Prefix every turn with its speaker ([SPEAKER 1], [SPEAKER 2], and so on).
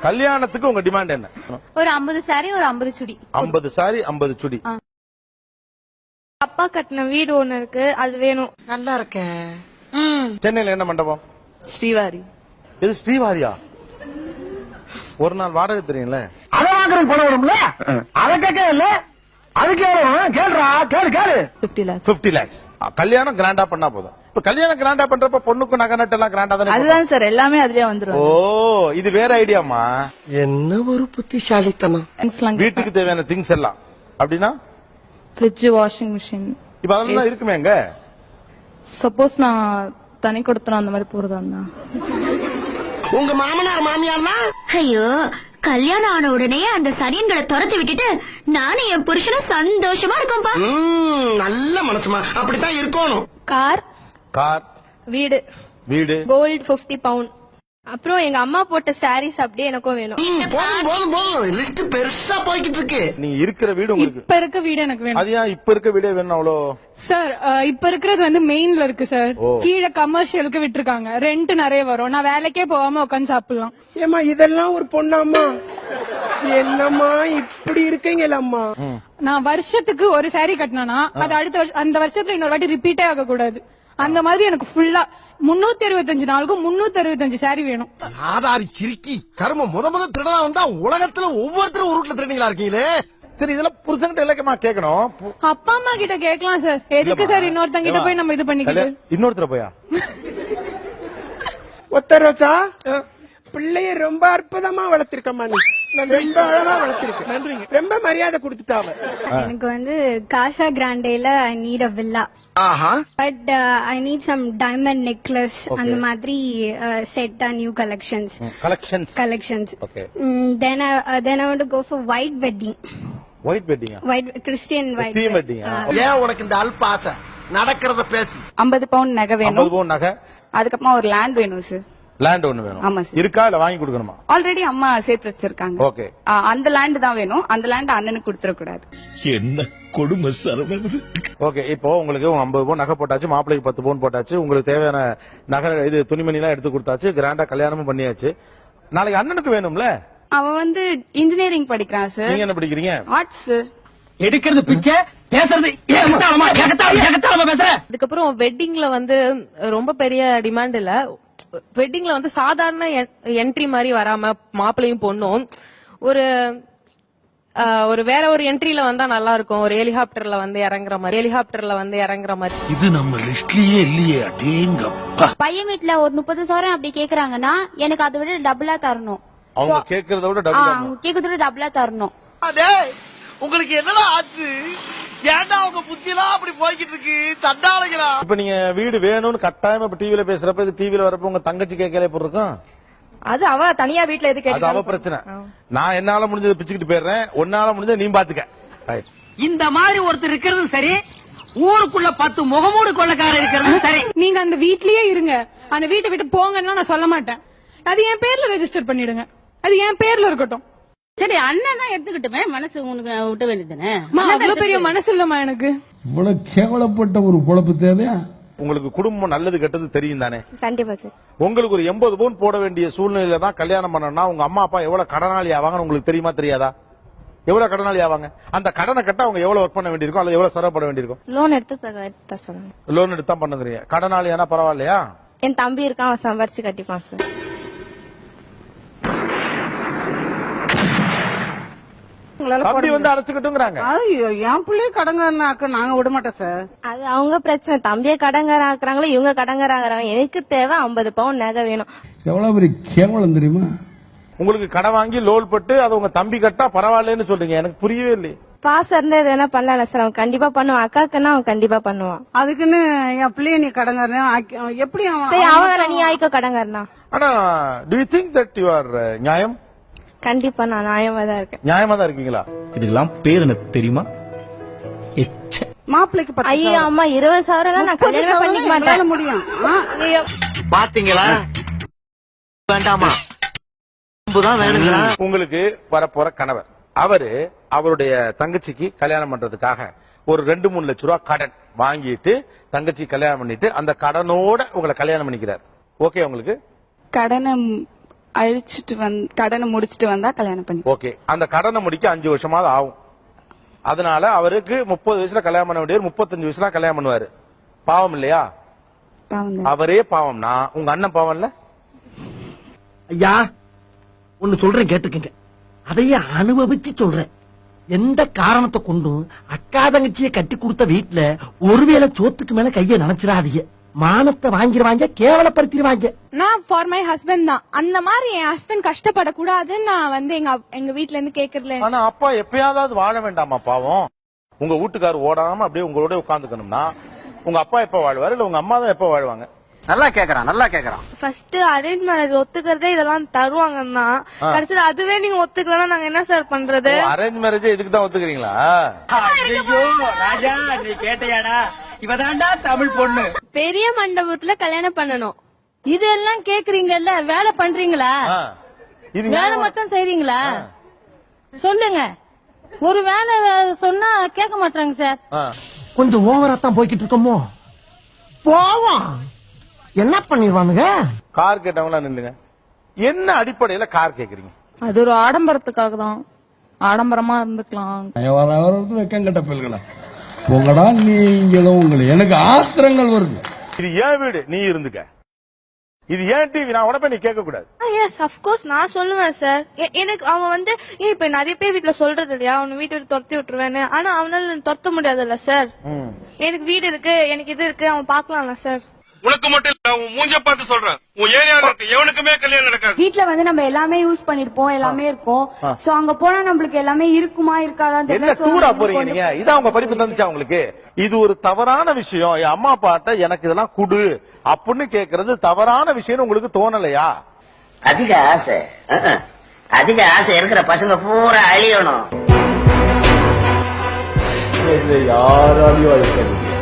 [SPEAKER 1] கல்யாணத்துக்கு உங்க டிமாண்ட் என்ன?
[SPEAKER 2] ஒரு 50 சாரி, ஒரு 50 சுடி.
[SPEAKER 1] 50 சாரி, 50 சுடி.
[SPEAKER 3] அப்பா கட்டின வீடு ஒண்ணு இருக்கு, அது வேணும்.
[SPEAKER 4] நல்லா இருக்க.
[SPEAKER 1] சென்னையில என்ன மண்டபம்?
[SPEAKER 4] ஸ்ரீவாரி.
[SPEAKER 1] இது ஸ்ரீவாரியா? ஒரு நாள் வாடகை தெரியும்ல?
[SPEAKER 5] அத வாங்குறது பணம் வரும்ல, அத கேட்க இல்ல, அதுக்கு கேளுடா, கேளு.
[SPEAKER 4] 50 lakhs.
[SPEAKER 1] 50 lakhs. கல்யாணம் கிராண்டா பண்ணா போதும். இப்ப கல்யாணம் கிராண்டா பண்றப்ப பொண்ணுக்கு நகை நட்டு எல்லாம் கிராண்டா தானே?
[SPEAKER 4] அதுதான் சார், எல்லாமே அதுலயே வந்துரும்.
[SPEAKER 1] ஓ, இது வேற ஐடியாமா?
[SPEAKER 4] என்ன ஒரு புத்திசாலித்தனம்.
[SPEAKER 1] வீட்டுக்கு தேவையான திங்ஸ் எல்லாம் அப்படின்னா
[SPEAKER 2] ஃப்ரிட்ஜ், வாஷிங் மிஷின்.
[SPEAKER 1] இப்ப அதெல்லாம் இருக்குமே எங்க?
[SPEAKER 2] சப்போஸ் நான் தனி கொடுத்தனா அந்த மாதிரி போறதா இருந்தா.
[SPEAKER 4] உங்க மாமனார் மாமியார்லாம்
[SPEAKER 6] ஐயோ, கல்யாணம் ஆன உடனே அந்த சனியன்களை துரத்தி விட்டுட்டு நானும் என் புருஷனும் சந்தோஷமா இருக்கோம்பா.
[SPEAKER 4] நல்ல மனசுமா, அப்படித்தான் இருக்கணும்.
[SPEAKER 3] கார்,
[SPEAKER 1] கார்,
[SPEAKER 3] வீடு,
[SPEAKER 1] வீடு,
[SPEAKER 3] கோல்டு 50 பவுண்ட். அப்புறம் எங்க அம்மா போட்ட சாரீஸ் அப்படியே எனக்கும் வேணும்.
[SPEAKER 4] போதும் லிஸ்ட் பெருசா போய்கிட்டு இருக்கு.
[SPEAKER 1] நீங்க இருக்கிற வீடு உங்களுக்கு
[SPEAKER 7] இப்ப இருக்க வீடு எனக்கு வேணும்.
[SPEAKER 1] அது ஏன் இப்ப இருக்க வீடே வேணும் அவ்வளோ?
[SPEAKER 7] சார் இப்ப இருக்கிறது வந்து மெயின்ல இருக்கு சார். கீழே கமர்ஷியலுக்கு விட்டுருக்காங்க, ரெண்ட் நிறைய வரும். நான் வேலைக்கே போகாம உட்காந்து சாப்பிடலாம்.
[SPEAKER 8] ஏமா இதெல்லாம் ஒரு பொண்ணாமா? என்னம்மா இப்படி இருக்கீங்களம்மா?
[SPEAKER 7] நான் வருஷத்துக்கு ஒரு சாரி கட்டினா அது அடுத்த வருஷம் அந்த வருஷத்துல இன்னொரு வாட்டி ரிப்பீட்டே ஆக கூடாது. அந்த மாதிரி எனக்கு ஃபுல்லா 365 நாளுக்கும் 365 சாரி வேணும்.
[SPEAKER 4] ஆதாரி சிரிக்கி கர்ம முத திருடா வந்தா உலகத்துல ஒவ்வொருத்தரும் ஒரு வீட்டுல திருடிங்களா இருக்கீங்களே.
[SPEAKER 1] சரி, இதெல்லாம் புருஷன்கிட்ட இலக்கமா கேட்கணும்.
[SPEAKER 7] அப்பா அம்மா கிட்ட கேட்கலாம் சார். எதுக்கு சார் இன்னொருத்தங்க கிட்ட போய் நம்ம இது பண்ணிக்கிட்டு?
[SPEAKER 1] இன்னொருத்தர போயா?
[SPEAKER 8] ஒத்த ரோசா, பிள்ளைய ரொம்ப அற்புதமா வளர்த்திருக்கம்மா. நீ ரொம்ப அழகா வளர்த்திருக்க. ரொம்ப மரியாதை கொடுத்துட்டாவ.
[SPEAKER 9] எனக்கு வந்து காசா கிராண்டேல I need a villa. But I need some diamond necklace, அந்த மாதிரி set new collections.
[SPEAKER 1] Okay.
[SPEAKER 9] Then I want to go for white wedding.
[SPEAKER 1] White வெட்டிங்கா?
[SPEAKER 9] White Christian white
[SPEAKER 1] தீம் வெட்டிங்கா?
[SPEAKER 4] ஏன் உனக்கு இந்த அல்ப ஆசை? நடக்கிறத பேசி.
[SPEAKER 10] 50 பவுண்ட் நகை வேணும்.
[SPEAKER 1] 50 பவுண்ட் நகை.
[SPEAKER 10] அதுக்கப்புறமா ஒரு லேண்ட் வேணும் சார்.
[SPEAKER 1] லேண்ட் ஒண்ணு வேணும்.
[SPEAKER 10] ஆமா சார்.
[SPEAKER 1] இருக்கா இல்ல வாங்கி கொடுக்கணுமா?
[SPEAKER 10] ஆல்ரெடி அம்மா சேர்த்து வச்சிருக்காங்க.
[SPEAKER 1] ஓகே.
[SPEAKER 10] அந்த லேண்ட் தான் வேணும். அந்த லேண்ட் அண்ணனுக்கு கொடுத்துட கூடாது.
[SPEAKER 11] என்ன கொடுமை சரவணன்.
[SPEAKER 1] ஓகே, இப்போ உங்களுக்கு 50 பவுன் நகை போட்டாச்சு, மாப்பிள்ளைக்கு 10 பவுன் போட்டாச்சு, உங்களுக்கு தேவையான நகை இது துணிமணி எல்லாம் எடுத்து கொடுத்தாச்சு, கிராண்டா கல்யாணமும் பண்ணியாச்சு. நாளைக்கு அண்ணனுக்கு வேணும்ல?
[SPEAKER 10] அவன் வந்து இன்ஜினியரிங் படிக்கிறான் சார்.
[SPEAKER 1] நீங்க என்ன படிக்கிறீங்க?
[SPEAKER 10] Arts sir.
[SPEAKER 5] எடுக்கிறது பிச்சை, பேசுறது ஏகத்தாளமா பேசுற.
[SPEAKER 3] அதுக்கப்புறம் வெட்டிங்ல வந்து ரொம்ப பெரிய டிமாண்ட் இல்ல. வெட்டிங்ல வந்து சாதாரண என்ட்ரி மாதிரி வராம மாப்பிள்ளையும் பொண்ணும் ஒரு வேற ஒரு என்ட்ரில வந்தா நல்லா இருக்கும். ஒரு ஹெலிகாப்டர்ல வந்து இறங்குற மாதிரி.
[SPEAKER 11] இது நம்ம லிஸ்ட்லயே இல்லையே. அடேங்கப்பா.
[SPEAKER 2] பையன் வீட்டுல ஒரு 30 சவரன் அப்படி கேக்குறாங்கன்னா எனக்கு அதை விட டபுளா தரணும்.
[SPEAKER 1] அவங்க கேக்குறத விட
[SPEAKER 2] டபுளா தரணும்.
[SPEAKER 4] உங்களுக்கு என்னடா ஆச்சு? ஏன்டா உங்க புத்தியெல்லாம் அப்படி போய்கிட்டு இருக்கு? தண்டாளைகளா?
[SPEAKER 1] இப்ப நீங்க வீடு வேணும்னு கட்டாயமா இப்ப டிவில பேசுறப்ப, இது டிவில வரப்ப உங்க தங்கச்சி கேட்கல எப்படி இருக்கும்?
[SPEAKER 3] அது அவ தனியா வீட்டுல எது
[SPEAKER 1] அது அவ பிரச்சனை. நான் என்னால முடிஞ்சதை பிச்சுக்கிட்டு போயிடுறேன், உன்னால முடிஞ்சதை நீ பாத்துக்க.
[SPEAKER 5] இந்த மாதிரி ஒருத்தர் இருக்கிறது சரி, ஊருக்குள்ள 10 முகமூடு கொள்ளக்காரர் இருக்கிறது சரி.
[SPEAKER 7] நீங்க அந்த வீட்லயே இருங்க, அந்த வீட்டை விட்டு போங்கன்னா நான் சொல்ல மாட்டேன். அது என் பேர்ல ரெஜிஸ்டர் பண்ணிடுங்க, அது என் பேர்ல இருக்கட்டும்.
[SPEAKER 2] சரி, அண்ணன் தான் எடுத்துக்கிட்டுமே, மனசு உனக்கு விட்ட வேண்டியதுதானே.
[SPEAKER 7] அவ்வளவு பெரிய மனசு இல்லமா எனக்கு.
[SPEAKER 5] இவ்வளவு கேவலப்பட்ட ஒரு பொழப்பு தேவையா?
[SPEAKER 1] உங்களுக்கு குடும்பம் நல்லது கெட்டது தெரியும் தானே?
[SPEAKER 3] கண்டிப்பா சார்.
[SPEAKER 1] உங்களுக்கு ஒரு 80 பவுன் போட வேண்டிய சூழ்நிலையில தான் கல்யாணம் பண்ணணும்னா உங்க அம்மா அப்பா எவ்வளவு கடனாளி ஆவாங்கன்னு உங்களுக்கு தெரியுமா தெரியாதா? எவ்வளவு கடனாளி ஆவாங்க? அந்த கடனை கட்ட அவங்க எவ்வளவு ஒர்க் பண்ண வேண்டியிருக்கும், அல்லது எவ்வளவு செலவுப்பட வேண்டியிருக்கும்?
[SPEAKER 3] லோன் எடுத்து சொல்லுங்க.
[SPEAKER 1] லோன் எடுத்து தான் பண்ணுங்கிறீங்க. கடனாளி ஆனா பரவாயில்லையா?
[SPEAKER 3] என் தம்பி இருக்கான், அவன் சம்பாரிச்சு கட்டிப்பான் சார்.
[SPEAKER 1] தம்பி வந்து அடைச்சுக்கிட்டுங்கிறாங்க.
[SPEAKER 4] என் பிள்ளைய கடங்காரனாக்க நாங்க விட மாட்டோம் சார்.
[SPEAKER 3] அது அவங்க பிரச்சனை. தம்பியை கடங்கார ஆக்குறாங்களோ இவங்க கடங்கார ஆகுறாங்க. எனக்கு தேவை 50 பவுன் நகை வேணும்.
[SPEAKER 5] எவ்வளவு பெரிய கேவலம் தெரியுமா?
[SPEAKER 1] உங்களுக்கு கடன் வாங்கி லோன் பட்டு அது உங்க தம்பி கட்டா பரவாயில்லன்னு சொல்றீங்க. எனக்கு புரியவே இல்லை.
[SPEAKER 3] பாசம் இருந்தா எதனா பண்ணல சார். அவன் கண்டிப்பா பண்ணுவான். அக்காக்குன்னா அவன் கண்டிப்பா பண்ணுவான்.
[SPEAKER 4] அதுக்குன்னு என் பிள்ளைய நீ கடங்காரன் எப்படி?
[SPEAKER 3] சரி, அவன் நீ ஆயிக்கோ கடங்காரனா.
[SPEAKER 1] ஆனா do you think that you are நியாயம்?
[SPEAKER 3] கண்டிப்பா நான் நியாயமா தான் இருக்கேன்.
[SPEAKER 1] நியாயமா தான் இருக்கீங்களா?
[SPEAKER 11] இதுக்கெல்லாம் பேர் எனக்கு தெரியுமா?
[SPEAKER 4] மாப்பிள்ளைக்கு
[SPEAKER 3] ஐயோ அம்மா 20 சவரம் நான் கல்யாணம் பண்ணிக்க மாட்டேன்.
[SPEAKER 4] முடியும்.
[SPEAKER 5] பாத்தீங்களா? வேண்டாமா? வேணுங்களா?
[SPEAKER 1] உங்களுக்கு வரப்போற கணவர் அவரு அவருடைய தங்கச்சிக்கு கல்யாணம் பண்றதுக்காக ஒரு 2-3 லட்சம் ரூபாய் கடன் வாங்கிட்டு தங்கச்சி கல்யாணம் பண்ணிட்டு அந்த கடனோட உங்களை கல்யாணம் பண்ணிக்கிறார். ஓகே உங்களுக்கு?
[SPEAKER 10] கடனை அழிச்சிட்டு கடனை முடிச்சிட்டு வந்தா கல்யாணம் பண்ணி.
[SPEAKER 1] ஓகே, அந்த கடனை முடிக்க 5 வருஷமாவது ஆகும். அதனால அவருக்கு 30 வயசுல கல்யாணம் பண்ண வேண்டியவர் 35 வயசுல கல்யாணம் பண்ணுவாரு. பாவம் இல்லையா? அவரே பாவம்னா உங்க அண்ணன் பாவம் இல்ல?
[SPEAKER 5] ஐயா ஒன்னு சொல்றேன் கேட்டுக்கங்க, அதையே அனுபவிச்சு சொல்றேன். எந்த காரணத்தை கொண்டும் அக்கா தங்கச்சியை கட்டி கொடுத்த வீட்டுல ஒருவேளை சோத்துக்கு மேல கைய நினைச்சிடாதீங்க. மானத்தை வாங்கிடுவாங்க, கேவலப்படுத்திடுவாங்க.
[SPEAKER 7] நான் ஃபார் மை ஹஸ்பண்ட் தான். அந்த மாதிரி என் ஹஸ்பண்ட் கஷ்டப்படக்கூடாதுன்னு நான் வந்து எங்க வீட்ல இருந்து கேக்குறல.
[SPEAKER 1] ஆனா அப்பா எப்பயாவது வாழ வேண்டாமா பாவம்? உங்க வீட்டுக்காரர் ஓடாம அப்படியே உங்களோட உட்கார்ந்துக்கணும்னா உங்க அப்பா எப்ப வாழ்வாரு, இல்ல உங்க அம்மா தான் எப்ப வாழ்வாங்க?
[SPEAKER 5] நல்லா கேக்குறான்.
[SPEAKER 3] ஃபர்ஸ்ட் அரேஞ்ச் மேரேஜ் ஒத்துக்கிறதே இதெல்லாம் தருவாங்கன்னா கடைசியில அதுவே நீங்க ஒத்துக்கலன்னா நாங்க என்ன சார் பண்றது?
[SPEAKER 1] அரேஞ்ச் மேரேஜ் இதுக்கு தான் ஒத்துக்கிறீங்களா?
[SPEAKER 5] ஐயோ ராஜா, நீ கேட்டையாடா? இவதாண்டா தமிழ் பொண்ணு.
[SPEAKER 3] பெரிய மண்டபத்துல கல்யாணம் பண்ணணும்.
[SPEAKER 7] இதெல்லாம் கேக்குறீங்கல்ல, வேலை பண்றீங்களா?
[SPEAKER 1] இது
[SPEAKER 7] வேலை மட்டும் செய்றீங்களா? சொல்லுங்க. ஒரு வேலை சொன்னா கேட்க மாட்டாங்க சார்.
[SPEAKER 5] கொஞ்சம் ஓவரா தான் போய்கிட்டு இருக்கோமோ. போவோம், என்ன பண்ணிடுவானுங்க?
[SPEAKER 1] கார் கேட்டவங்களா நில்லுங்க. என்ன அடிப்படையில கார் கேக்குறீங்க?
[SPEAKER 7] அது ஒரு ஆடம்பரத்துக்காக தான். ஆடம்பரமா இருந்துக்கலாம்.
[SPEAKER 11] வெக்கங்கட்ட பிள்ளைகளா உங்களடா நீங்களும் உங்களை எனக்கு ஆத்திரங்கள் வருது.
[SPEAKER 1] இது ஏன் வீடு, நீ இருந்துக்க. இது ஏன் டிவி, நான் உடனே நீ கேட்க கூடாது.
[SPEAKER 3] எஸ் ஆஃப் கோர்ஸ் நான் சொல்லுவேன் சார். எனக்கு அவன் வந்து இப்ப நிறைய பேர் வீட்டுல சொல்றது இல்லையா, அவனை வீட்டை விட்டு துரத்தி விட்டுருவேன்னு. ஆனா அவனால துரத்த முடியாதுல்ல சார். எனக்கு வீடு இருக்கு, எனக்கு இது இருக்கு, அவன் பாக்கலாம்ல சார்.
[SPEAKER 4] உனக்கு மட்டும் இல்ல, உன் மூஞ்ச பார்த்து சொல்றேன். உன் ஏரியால இருக்கு எவனுக்குமே கல்யாணம் நடக்காது.
[SPEAKER 2] வீட்ல வந்து நம்ம எல்லாமே யூஸ் பண்ணிருப்போம், எல்லாமே இருக்கும். சோ அங்க போனா நம்மளுக்கு எல்லாமே இருக்குமா இருக்காதான்
[SPEAKER 1] என்ன டூரா போறீங்க நீங்க? இதான் உங்க படிப்பு தந்துச்சா உங்களுக்கு? இது ஒரு தவறான விஷயம். என் அம்மா அப்பாட்ட எனக்கு இதெல்லாம் குடு அப்படின்னு கேக்குறது தவறான விஷயம் உங்களுக்கு தோணலையா?
[SPEAKER 5] அதிக ஆசை, அதிக ஆசை இருக்கிற பசங்க பூரா அழியணும்.
[SPEAKER 11] யாராலையும் அழிக்க முடியாது.